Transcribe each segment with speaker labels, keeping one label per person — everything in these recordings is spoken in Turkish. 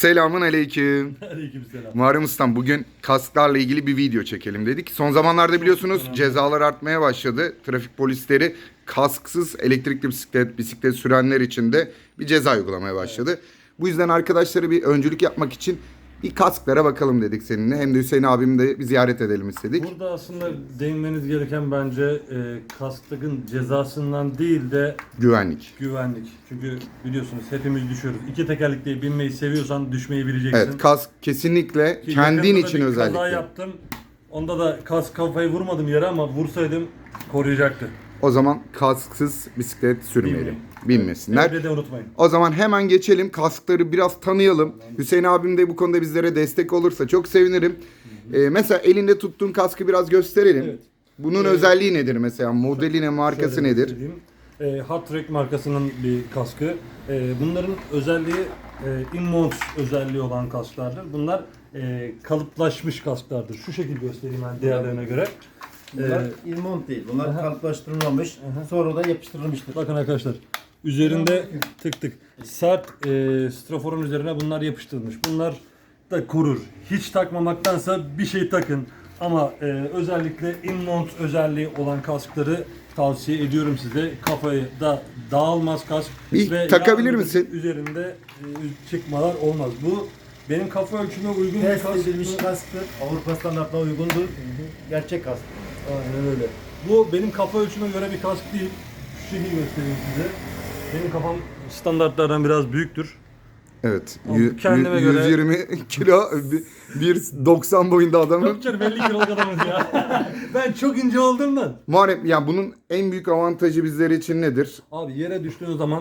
Speaker 1: Selamun aleyküm.
Speaker 2: Aleykümselam.
Speaker 1: Muharrem Ustam, bugün kasklarla ilgili bir video çekelim dedik. Son zamanlarda biliyorsunuz cezalar artmaya başladı. Trafik polisleri kasksız elektrikli bisiklet sürenler için de bir ceza uygulamaya başladı. Evet. Bu yüzden arkadaşları bir öncülük yapmak için bir kasklara bakalım dedik seninle. Hem de Hüseyin abimi de bir ziyaret edelim istedik.
Speaker 2: Burada aslında değinmeniz gereken bence kaskın cezasından değil de
Speaker 1: Güvenlik.
Speaker 2: güvenlik. Çünkü biliyorsunuz hepimiz düşüyoruz. İki tekerlekli binmeyi seviyorsan düşmeyi bileceksin.
Speaker 1: Evet, kask kesinlikle
Speaker 2: Ki
Speaker 1: kendin
Speaker 2: yakında
Speaker 1: için
Speaker 2: bir
Speaker 1: özellikle.
Speaker 2: kaza yaptım. Onda da kask kafayı vurmadım yere ama vursaydım koruyacaktı.
Speaker 1: O zaman kasksız bisiklet sürmeyelim. Binmesinler.
Speaker 2: Evde de unutmayın.
Speaker 1: O zaman hemen geçelim. Kaskları biraz tanıyalım. Hüseyin abim de bu konuda bizlere destek olursa çok sevinirim. Mesela elinde tuttuğun kaskı biraz gösterelim.
Speaker 2: Evet.
Speaker 1: Bunun özelliği nedir mesela? Modeli ne, markası
Speaker 2: Şöyle
Speaker 1: nedir?
Speaker 2: göstereyim. Hot Track markasının bir kaskı. Bunların özelliği in-mount özelliği olan kasklardır. Bunlar kalıplaşmış kasklardır. Şu şekilde göstereyim ben diğerlerine göre.
Speaker 3: Bunlar ilmont değil. Bunlar kalıplaştırılmamış. Sonradan yapıştırılmıştır.
Speaker 2: Bakın arkadaşlar. Üzerinde tık tık sert straforun üzerine bunlar yapıştırılmış. Bunlar da korur. Hiç takmamaktansa bir şey takın. Ama özellikle in-mount özelliği olan kaskları tavsiye ediyorum size. Kafayı da dağılmaz kask.
Speaker 1: Bir takabilir
Speaker 2: yarın
Speaker 1: misin?
Speaker 2: Üzerinde çıkmalar olmaz. Bu benim kafa ölçüme uygun bir
Speaker 3: Test
Speaker 2: kask.
Speaker 3: edilmiş kasktır. Avrupa standartına uygundur. Gerçek kask.
Speaker 2: Aynen öyle. Bu benim kafa ölçüme göre bir kask değil. Şu şekilde göstereyim size. Benim kafam standartlardan biraz büyüktür.
Speaker 1: Evet.
Speaker 2: Kendime göre-
Speaker 1: 120 kilo, 1.90 boyunda adamın.
Speaker 2: Yok canım 50 kiloluk adamız ya. Ben çok ince olduğumdan.
Speaker 1: Muharrem, yani bunun en büyük avantajı bizler için nedir?
Speaker 2: Abi yere düştüğünüz zaman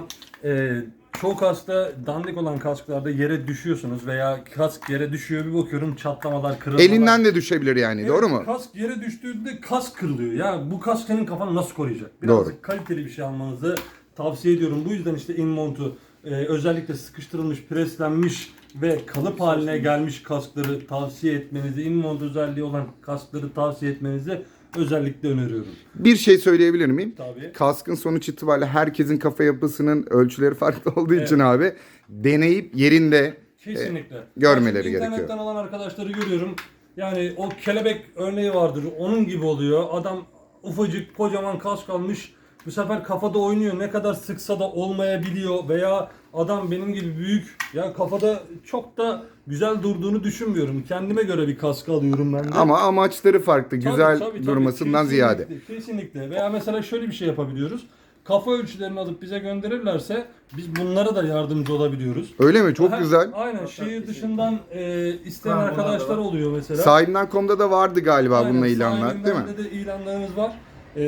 Speaker 2: çoğu kaskta dandik olan kasklarda yere düşüyorsunuz veya kask yere düşüyor bir bakıyorum çatlamalar, kırılmalar.
Speaker 1: Elinden de düşebilir yani,
Speaker 2: Evet,
Speaker 1: doğru mu?
Speaker 2: Kask yere düştüğünde kask kırılıyor. Ya bu kask senin kafanı nasıl koruyacak?
Speaker 1: Doğru.
Speaker 2: Biraz kaliteli bir şey almanızı tavsiye ediyorum. Bu yüzden işte in-mount'u özellikle sıkıştırılmış, preslenmiş ve kalıp haline gelmiş kaskları tavsiye etmenizi, in-mount özelliği olan kaskları tavsiye etmenizi özellikle öneriyorum.
Speaker 1: Bir şey söyleyebilir miyim?
Speaker 2: Tabii.
Speaker 1: Kaskın sonuç itibariyle herkesin kafa yapısının ölçüleri farklı olduğu için abi deneyip yerinde
Speaker 2: Kesinlikle.
Speaker 1: görmeleri
Speaker 2: Çünkü
Speaker 1: gerekiyor.
Speaker 2: İnternetten alan arkadaşları görüyorum. Yani o kelebek örneği vardır. Onun gibi oluyor. Adam ufacık kocaman kask almış. Bu sefer kafada oynuyor. Ne kadar sıksa da olmayabiliyor. Veya adam benim gibi büyük. Ya kafada çok da güzel durduğunu düşünmüyorum. Kendime göre bir kask alıyorum ben de.
Speaker 1: ama amaçları farklı, güzel
Speaker 2: Tabii,
Speaker 1: durmasından
Speaker 2: kesinlikle,
Speaker 1: ziyade.
Speaker 2: Kesinlikle. Veya mesela şöyle bir şey yapabiliyoruz. Kafa ölçülerini alıp bize gönderirlerse biz bunlara da yardımcı olabiliyoruz.
Speaker 1: Öyle mi? Çok
Speaker 2: Aha,
Speaker 1: güzel.
Speaker 2: Aynen. Şehir dışından isteyen
Speaker 3: Var,
Speaker 2: arkadaşlar
Speaker 3: var.
Speaker 2: oluyor mesela.
Speaker 1: Sahibinden.com'da da vardı galiba
Speaker 2: Aynen,
Speaker 1: bununla ilanlar,
Speaker 2: sahibinden
Speaker 1: değil mi?
Speaker 2: de ilanlarımız var.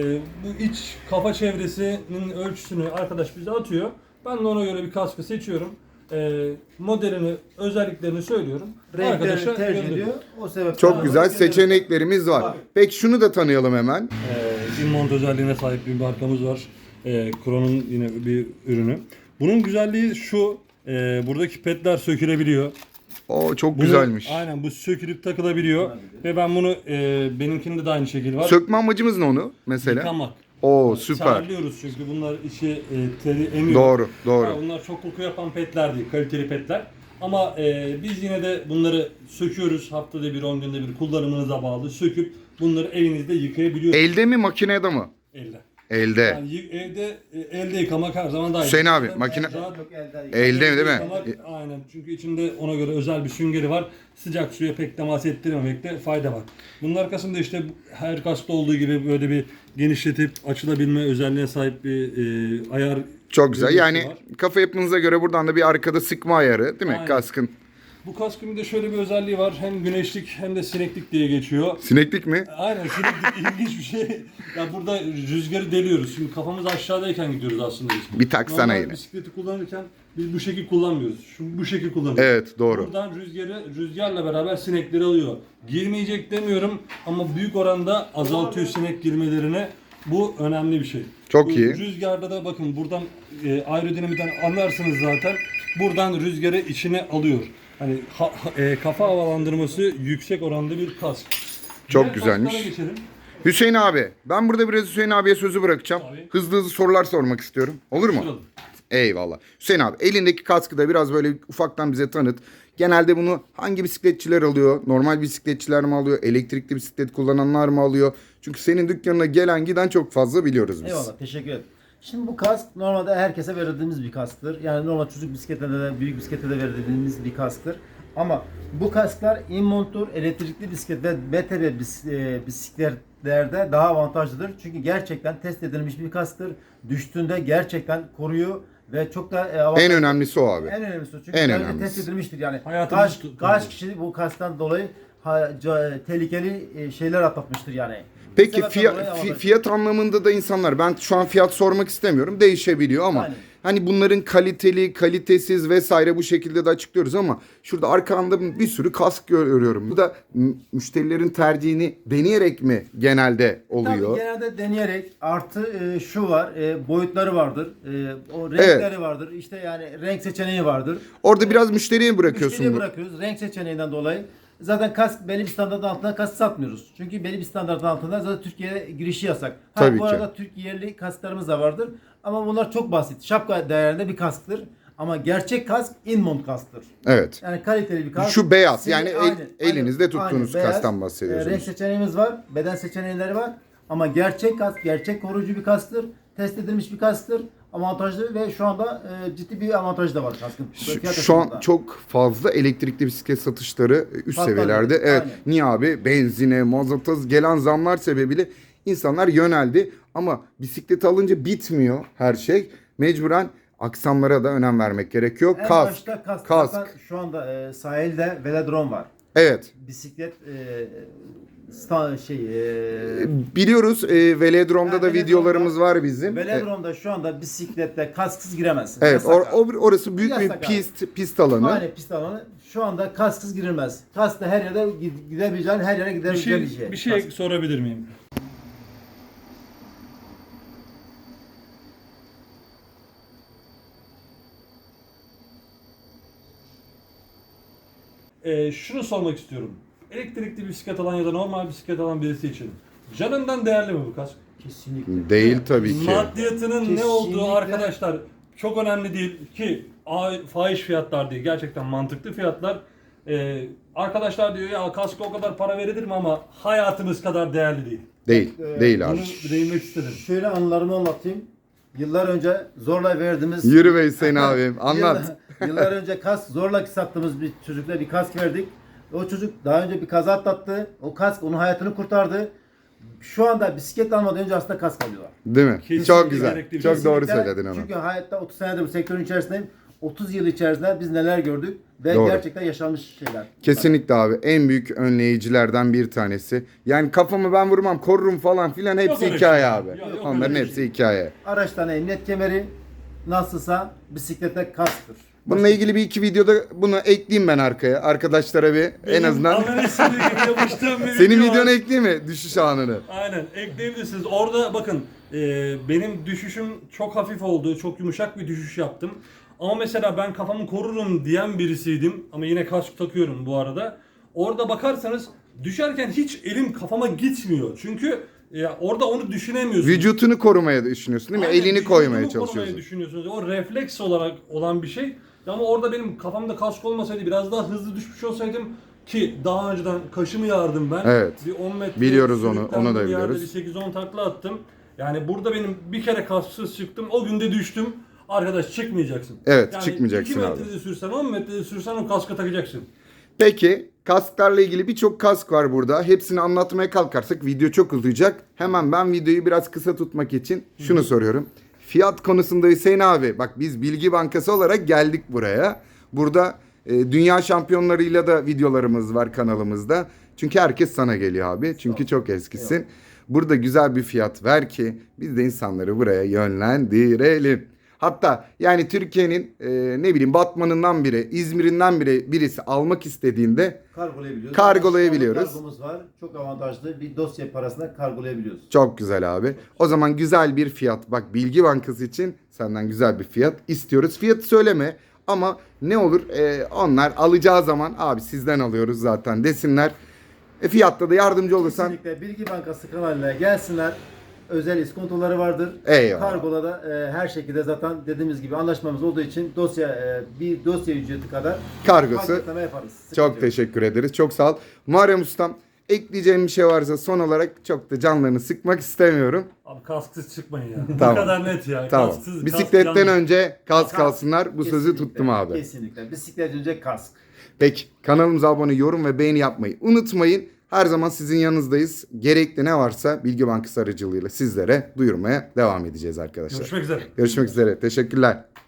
Speaker 2: Bu iç kafa çevresinin ölçüsünü arkadaş bize atıyor. Ben de ona göre bir kaskı seçiyorum. Modelini, özelliklerini söylüyorum.
Speaker 3: Renklerini tercih ediyor. O sebepten
Speaker 1: Çok güzel seçeneklerimiz var. Peki şunu da tanıyalım hemen.
Speaker 2: in-mount özelliğine sahip bir markamız var. Kron'un yine bir ürünü. Bunun güzelliği şu. Buradaki pedler sökülebiliyor.
Speaker 1: O çok
Speaker 2: Bunu-
Speaker 1: güzelmiş.
Speaker 2: Aynen, bu sökülüp takılabiliyor. Ve ben bunu benimkinde de aynı şekil var.
Speaker 1: Sökme amacımız ne onu mesela?
Speaker 2: Yıkamak.
Speaker 1: Oo, süper.
Speaker 2: Terliyoruz çünkü bunlar içi teri emiyor.
Speaker 1: Doğru, doğru.
Speaker 2: Ha, bunlar çok koku yapan petler değil, kaliteli petler. Ama biz yine de bunları söküyoruz. Haftada bir, 10 günde bir kullanımınıza bağlı söküp bunları evinizde yıkayabiliyorsunuz.
Speaker 1: Elde mi, makinede mi?
Speaker 2: Elde.
Speaker 1: Elde.
Speaker 2: Yani elde yıkamak her zaman daha iyi.
Speaker 1: Hüseyin abi,
Speaker 2: Zaten
Speaker 1: makine-
Speaker 2: rahat-
Speaker 3: Çok elden
Speaker 1: Elde mi, değil mi?
Speaker 2: Yıkamak, aynen. Çünkü içinde ona göre özel bir süngeri var. Sıcak suya pek temas ettirmemekte fayda var. Bunun arkasında işte her kaskta olduğu gibi böyle bir genişletip açılabilme özelliğine sahip bir ayar.
Speaker 1: Çok güzel.
Speaker 2: bölgesi
Speaker 1: Yani
Speaker 2: var.
Speaker 1: kafa yapınıza göre buradan da bir arkada sıkma ayarı, değil mi?
Speaker 2: Aynen.
Speaker 1: Kaskın.
Speaker 2: Bu kaskın bir de şöyle bir özelliği var. Hem güneşlik hem de sineklik diye geçiyor.
Speaker 1: Sineklik mi?
Speaker 2: Aynen, sineklik ilginç bir şey. Ya burada rüzgarı deliyoruz. Şimdi kafamız aşağıdayken gidiyoruz aslında biz.
Speaker 1: Bir taksana
Speaker 2: Normal
Speaker 1: yine.
Speaker 2: bisikleti kullanırken biz bu şekil kullanmıyoruz. Bu şekil kullanıyoruz.
Speaker 1: Evet, doğru.
Speaker 2: Buradan rüzgarla beraber sinekleri alıyor. Girmeyecek demiyorum ama büyük oranda azaltıyor sinek girmelerini. Bu önemli bir şey.
Speaker 1: Çok
Speaker 2: Bu
Speaker 1: iyi.
Speaker 2: Rüzgarda da bakın buradan aerodinamiden anlarsınız zaten. Buradan rüzgarı içine alıyor. Hani kafa havalandırması yüksek oranda bir kask.
Speaker 1: Çok
Speaker 2: Diğer
Speaker 1: güzelmiş.
Speaker 2: kasklara geçelim.
Speaker 1: Hüseyin abi, ben burada biraz Hüseyin abiye sözü bırakacağım.
Speaker 2: Tabii.
Speaker 1: Hızlı hızlı sorular sormak istiyorum. Olur mu?
Speaker 2: Soralım.
Speaker 1: Eyvallah. Hüseyin abi, elindeki kaskı da biraz böyle ufaktan bize tanıt. Genelde bunu hangi bisikletçiler alıyor? Normal bisikletçiler mi alıyor? Elektrikli bisiklet kullananlar mı alıyor? Çünkü senin dükkanına gelen giden çok fazla biliyoruz biz.
Speaker 3: Eyvallah, teşekkür ederim. Şimdi bu kask normalde herkese verdiğimiz bir kasktır. Yani normal çocuk bisiklete de büyük bisiklete de verdiğimiz bir kasktır. Ama bu kasklar InMont'tur, elektrikli bisiklet ve BTB bisikletlerde daha avantajlıdır. Çünkü gerçekten test edilmiş bir kasktır. Düştüğünde gerçekten koruyor ve çok da
Speaker 1: En önemlisi o abi.
Speaker 3: en önemlisi o. Çünkü
Speaker 1: En
Speaker 3: daha önce
Speaker 1: önemlisi.
Speaker 3: test edilmiştir yani.
Speaker 2: Hayatımızı
Speaker 3: Kaç kişi bu kasktan dolayı tehlikeli şeyler atlatmıştır yani.
Speaker 1: Peki
Speaker 3: Sebepten dolayı avantaj.
Speaker 1: fiyat anlamında da insanlar, ben şu an fiyat sormak istemiyorum, değişebiliyor ama
Speaker 3: Aynen.
Speaker 1: hani bunların kaliteli, kalitesiz vesaire bu şekilde de açıklıyoruz ama şurada arkanda bir sürü kask görüyorum. Bu da müşterilerin tercihini deneyerek mi genelde oluyor?
Speaker 3: Tabii genelde deneyerek artı şu var, boyutları vardır, o renkleri vardır, işte yani renk seçeneği vardır.
Speaker 1: Orada biraz müşteriye bırakıyorsun.
Speaker 3: Müşteriye bırakıyoruz renk seçeneğinden dolayı. Zaten kask belli bir standartın altında kask satmıyoruz. Çünkü belli bir standartın altında zaten Türkiye'ye girişi yasak.
Speaker 1: Tabii
Speaker 3: bu
Speaker 1: ki.
Speaker 3: arada Türk yerli kasklarımız da vardır. Ama bunlar çok basit. Şapka değerinde bir kasktır. Ama gerçek kask InMont kasktır.
Speaker 1: Evet.
Speaker 3: Yani kaliteli bir kask.
Speaker 1: Şu beyaz,
Speaker 3: Sivri-
Speaker 1: yani elinizde tuttuğunuz
Speaker 3: beyaz.
Speaker 1: kasktan bahsediyorsunuz.
Speaker 3: Renk seçeneğimiz var, beden seçenekleri var. Ama gerçek kask, gerçek koruyucu bir kasktır. Test edilmiş bir kasktır. Avantajlı ve şu anda ciddi bir avantaj da var kaskın. Fiyat
Speaker 1: Şu an
Speaker 3: açısından.
Speaker 1: çok fazla elektrikli bisiklet satışları üst
Speaker 3: Patladı.
Speaker 1: seviyelerde. Evet.
Speaker 3: Aynen.
Speaker 1: Niye abi? Benzine, mazota gelen zamlar sebebiyle insanlar yöneldi. Ama bisiklet alınca bitmiyor her şey. Mecburen aksamlara da önem vermek gerekiyor.
Speaker 3: En
Speaker 1: Kask.
Speaker 3: başta kask.
Speaker 1: Kask.
Speaker 3: Zaten şu anda sahilde velodrom var.
Speaker 1: Evet.
Speaker 3: Bisiklet
Speaker 1: Biliyoruz velodromda
Speaker 3: Ha,
Speaker 1: da
Speaker 3: velodromda-
Speaker 1: videolarımız var bizim.
Speaker 3: velodromda şu anda bisiklette kasksız giremezsin.
Speaker 1: Evet,
Speaker 3: Yasak abi.
Speaker 1: orası büyük bir
Speaker 3: Yasak abi.
Speaker 1: pist alanı.
Speaker 3: Aynen pist alanı. Şu anda kasksız girilmez. Kaskla her yere gidebileceğin, her yere gidebileceğin
Speaker 2: Bir şey
Speaker 3: Kask.
Speaker 2: sorabilir miyim? Şunu sormak istiyorum. Elektrikli bisiklet alan ya da normal bisiklet alan birisi için canından değerli mi bu kask?
Speaker 3: Kesinlikle.
Speaker 1: Değil tabii ki.
Speaker 2: Maddiyatının ne
Speaker 3: Kesinlikle.
Speaker 2: olduğu arkadaşlar çok önemli değil ki fahiş fiyatlar değil. Gerçekten mantıklı fiyatlar. Arkadaşlar diyor ya kaska o kadar para verilir mi ama hayatımız kadar değerli değil.
Speaker 1: Değil. Değil abi.
Speaker 2: Bunu değinmek istedim.
Speaker 3: Şöyle anılarımı anlatayım. Yıllar önce zorla verdiğimiz...
Speaker 1: Yürü be Hüseyin abim. Anlat.
Speaker 3: Yıllar önce kask zorla sattığımız bir çocukla bir kask verdik. O çocuk daha önce bir kaza atlattı. O kask onun hayatını kurtardı. Şu anda bisiklet almadan önce aslında kask alıyorlar.
Speaker 1: Değil mi?
Speaker 2: Kesinlikle
Speaker 1: Çok güzel.
Speaker 2: gerekli bir
Speaker 1: Çok
Speaker 2: şey.
Speaker 1: doğru
Speaker 3: Kesinlikle.
Speaker 1: söyledin onu.
Speaker 3: Çünkü hayatta 30 senedir bu sektörün içerisindeyim. 30 yıl içerisinde biz neler gördük ve
Speaker 1: Doğru.
Speaker 3: gerçekten yaşanmış şeyler.
Speaker 1: Kesinlikle abi. En büyük önleyicilerden bir tanesi. Yani kafamı ben vurmam, korurum falan filan hepsi
Speaker 2: öyle
Speaker 1: hikaye
Speaker 2: şey.
Speaker 1: abi.
Speaker 2: Yok
Speaker 1: Onların
Speaker 2: öyle
Speaker 1: hepsi
Speaker 2: şey.
Speaker 1: hikaye.
Speaker 3: Araçtan emniyet kemeri nasılsa bisiklete kasktır.
Speaker 1: Bununla ilgili bir iki videoda bunu ekleyeyim ben arkaya. Arkadaşlara bir en azından.
Speaker 2: Analizini yapıştığım bir
Speaker 1: Senin
Speaker 2: video var.
Speaker 1: videonu ekleyeyim mi? Düşüş anını.
Speaker 2: Aynen ekleyebilirsiniz. Orada bakın benim düşüşüm çok hafif oldu. Çok yumuşak bir düşüş yaptım. Ama mesela ben kafamı korurum diyen birisiydim. Ama yine kask takıyorum bu arada. Orada bakarsanız düşerken hiç elim kafama gitmiyor. Çünkü orada onu düşünemiyorsunuz.
Speaker 1: Vücutunu korumaya düşünüyorsun değil mi?
Speaker 2: Aynen,
Speaker 1: Elini
Speaker 2: vücudumu
Speaker 1: koymaya
Speaker 2: korumaya
Speaker 1: çalışıyorsun.
Speaker 2: düşünüyorsunuz. O refleks olarak olan bir şey. Ama orada benim kafamda kask olmasaydı biraz daha hızlı düşmüş olsaydım ki daha önceden kaşımı yardım ben.
Speaker 1: Evet.
Speaker 2: Bir 10 metre
Speaker 1: Biliyoruz onu,
Speaker 2: sürüklendim,
Speaker 1: onu da
Speaker 2: bir yerde
Speaker 1: biliyoruz.
Speaker 2: Bir 8-10 takla attım. Yani burada benim bir kere kasksız çıktım. O günde düştüm. Arkadaş çıkmayacaksın.
Speaker 1: Evet,
Speaker 2: yani
Speaker 1: çıkmayacaksın
Speaker 2: 2
Speaker 1: abi.
Speaker 2: metrede sürsen 10 metrede sürsen o kaska takacaksın.
Speaker 1: Peki kasklarla ilgili birçok kask var burada. Hepsini anlatmaya kalkarsak video çok uzayacak. Hemen ben videoyu biraz kısa tutmak için şunu soruyorum. Fiyat konusunda Hüseyin abi, bak biz Bilgi Bankası olarak geldik buraya. Burada dünya şampiyonlarıyla da videolarımız var kanalımızda. Çünkü herkes sana geliyor abi. Çünkü çok eskisin. Burada güzel bir fiyat ver ki biz de insanları buraya yönlendirelim. Hatta yani Türkiye'nin ne bileyim Batman'ından biri, İzmir'inden birisi almak istediğinde
Speaker 3: Kargolayabiliyoruz.
Speaker 1: Kargolayabiliyoruz.
Speaker 3: Kargomuz var. Çok avantajlı. Bir dosya parasına kargolayabiliyoruz.
Speaker 1: çok güzel abi. O zaman güzel bir fiyat. Bak Bilgi Bankası için senden güzel bir fiyat istiyoruz. Fiyatı söyleme ama ne olur onlar alacağı zaman abi sizden alıyoruz zaten desinler. Fiyatta da yardımcı olursan
Speaker 3: Kesinlikle Bilgi Bankası kanalına gelsinler. özel iskontoları vardır.
Speaker 1: Eyvallah.
Speaker 3: Kargoda da her şekilde zaten dediğimiz gibi anlaşmamız olduğu için bir dosya ücreti kadar
Speaker 1: Kargosu.
Speaker 3: paketleme yaparız. Sıkıntı
Speaker 1: Çok
Speaker 3: yok.
Speaker 1: teşekkür ederiz. Çok sağ ol. Muharrem Ustam, ekleyeceğim bir şey varsa son olarak, çok da canlarını sıkmak istemiyorum.
Speaker 2: Abi kasksız çıkmayın ya.
Speaker 1: Tamam.
Speaker 2: Bu kadar net ya.
Speaker 1: Tamam.
Speaker 2: Kasksız,
Speaker 1: Bisikletten
Speaker 2: kask
Speaker 1: önce kask
Speaker 3: Kask.
Speaker 1: alsınlar. Bu sözü
Speaker 3: Kesinlikle,
Speaker 1: tuttum abi.
Speaker 3: Kesinlikle. Bisiklet önce kask.
Speaker 1: Peki, kanalımıza abone, yorum ve beğeni yapmayı unutmayın. Her zaman sizin yanınızdayız. Gerekli ne varsa Bilgi Bankası aracılığıyla sizlere duyurmaya devam edeceğiz arkadaşlar.
Speaker 2: Görüşmek üzere.
Speaker 1: Görüşmek üzere. Teşekkürler.